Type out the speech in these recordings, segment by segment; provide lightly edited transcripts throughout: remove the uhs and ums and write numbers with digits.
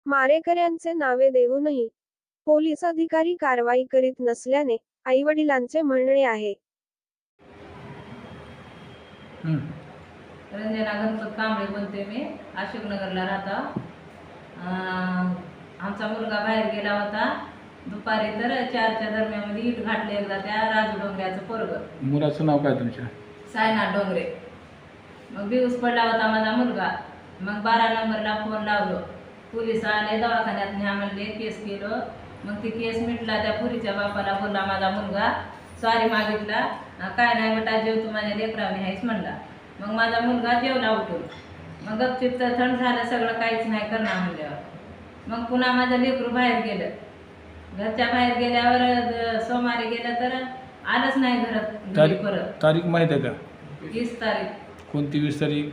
मारेकऱ्यांचे नावे देऊनही पोलीस अधिकारी कारवाई करीत नसल्याने आईवडिलांचे म्हणणे आहे. रंजना गणपत कांबळे बोलते मी, अशोकनगरला राहतो. आमचा मुलगा बाहेर गेला होता दुपारी, तर 4च्या दरम्यान इट घातले एकदा त्या राजू डोंगऱ्याचं पोरगं. मुलाचं नाव काय तुमच्या? सायनाथ डोंगरे. मग बिऊस पडला होता माझा मुलगा. मग 12 नंबरला फोन लावलो, पोलीस आले, दवाखान्यात न्या म्हणले, केस केलं. मग ती केस मिटला. त्या पुरीच्या बापाला बोलला माझा मुलगा, सॉरी मागितला, काय नाही बेटा जेव तू माझ्या लेकराने आहेस म्हणला. मग माझा मुलगा जेवला उठून. मग गपचिप तर थंड झालं सगळं, काहीच नाही करणार म्हणल्यावर. मग पुन्हा माझं लेकरू बाहेर गेलं. घरच्या बाहेर गेल्यावर सोमवारी गेलं तर आलंच नाही घरात परत. तारीख माहीत आहे का? 20 तारीख. कोणती 20 तारीख?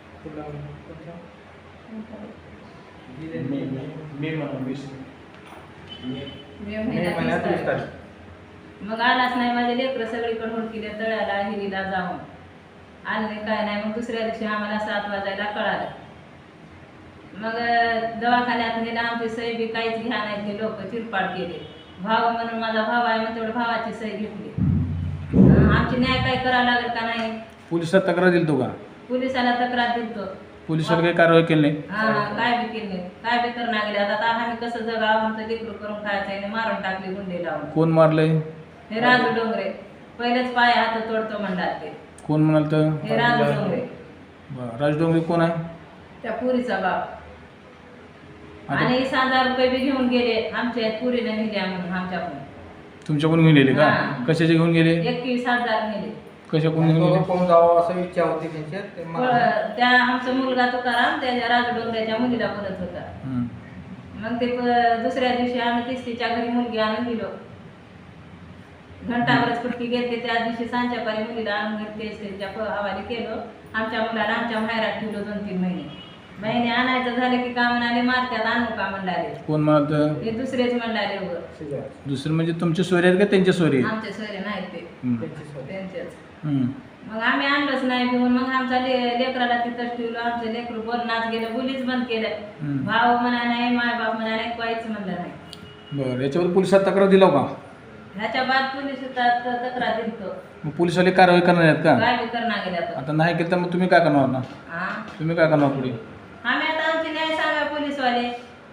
मे महिन्यात 30 तारीख. मग आलाच नाही. माझे लेकरं सगळीकडे हुडकिले, तळ्याला हिरीला जाऊन आले काय नाही. मग दुसऱ्या दिवशी आम्हाला 7 वाजायला कळालं. मग दवाखान्यात नेलं. आमची सही बी काहीच घ्या नाही, ते लोक चिरपाड केले. भाव म्हणून माझा भाव आहे मग तेवढं भावाची सही घेतली. आमची न्याय काय करावं लागेल का नाही? पोलिसात तक्रार दिली तो का? पोलिसाला तक्रार दिलतो. पोलिसाला काही कारवाई केली नाही? काय बी केली नाही, काय बी करणार गेले. आता आम्ही कसं जगावं, आमचं लेकरू करून खायचं आहे. मारून टाकले गुंडे लावून. कोण मारलंय? हे राजू डोंगरे. पहिलेच पाय हात तोडतो म्हणतात ते. कोण म्हणाल तर? हे राजू डोंगरे. राज डोंगरे कोण आहे? त्या पुरीचा बाप. आणि 20,000 रुपये बी घेऊन गेले आमच्या पुरीने नेल्या म्हणून आमच्याकडून. तुमच्याकडून घेऊन गेले का? कशाचे घेऊन गेले? 21,000 नेले. कशाकडून घेऊन गेले? कोण जावं असं इच्छा होती त्यांच्यात. त्या आमचा मुलगा तुकाराम त्याच्या राजू डोंगऱ्याच्या मुलीला बोलत होता. मग ते दुसऱ्या दिवशी आम्ही तिसरीच्या घरी मुलगी आणून दिलो. घंटाभरच कुटकी घेतली. त्या दिवशी सांच्या पारी मुलीला आणून घरी तिसरीच्या हवाली केलो. आमच्या मुलाला आमच्या माहेरात ठेवलो 2-3 महिने. महिने आणायचं झालं की का म्हणाले मारत्यात, आणू का म्हणणारे. कोण म्हणाल? ते दुसरेच म्हणणारे उगं. दुसरे म्हणजे तुमचे सोयरे आहेत का त्यांचे सोयरे? आमचे सोयरे नाहीत ते, त्यांचेच. हम्म. मग आम्ही आणलंच नाही घेऊन. मग आमच्या लेकराला तिथंच ठेवलं. आमचं लेकरू बोलणाच गेलं, बोलीच बंद केलं. भाव म्हणा नाही, माय बाप म्हणा नाही, काहीच म्हणलं नाही. बरं, याच्यावर पोलिसात तक्रार दिला का? ह्याच्या बाद पोलीस तक्रार दिलतो. मग पोलिसाला कारवाई करणार आहेत का? काय बी करणार गेल्या आता नाही केलं तर मग तुम्ही काय करणार ना? तुम्ही काय करणार पुढे? आम्ही आता आमची न्याय सांगा पोलीसवाले.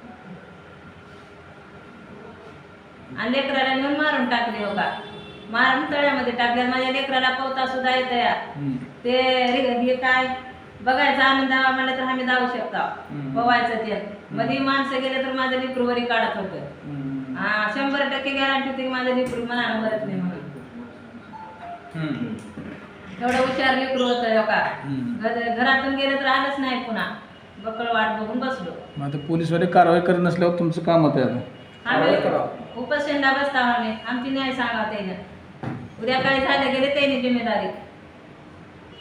आणि लेकराला नेऊन मारून टाकले हो का, मारून तळ्यामध्ये टाकले. माझ्या लेकराला पोहता सुद्धा येत या. ते हे काय बघायचं आनंद हवा म्हणलं तर आम्ही जाऊ शकता पोवायचं. ते मध्ये माणसं गेले तर माझं लेकरू वरी काढत होतं. 100% गॅरंटी होती की माझं लेकरू मनानं मरत नाही म्हणून. एवढं हुशार लेकरू होतं हो का. घरातून गेलं तर आलंच नाही पुन्हा. बकळ वाट बघून बसलो. मग आता पोलीसवाले कारवाई करत नसल्यावर तुमचं काम होतं आता? आम्ही उपोषणला बसता. आम्ही आमची न्याय सांगा त्याने. उद्या काय झालं गेले त्याने जिम्मेदारी.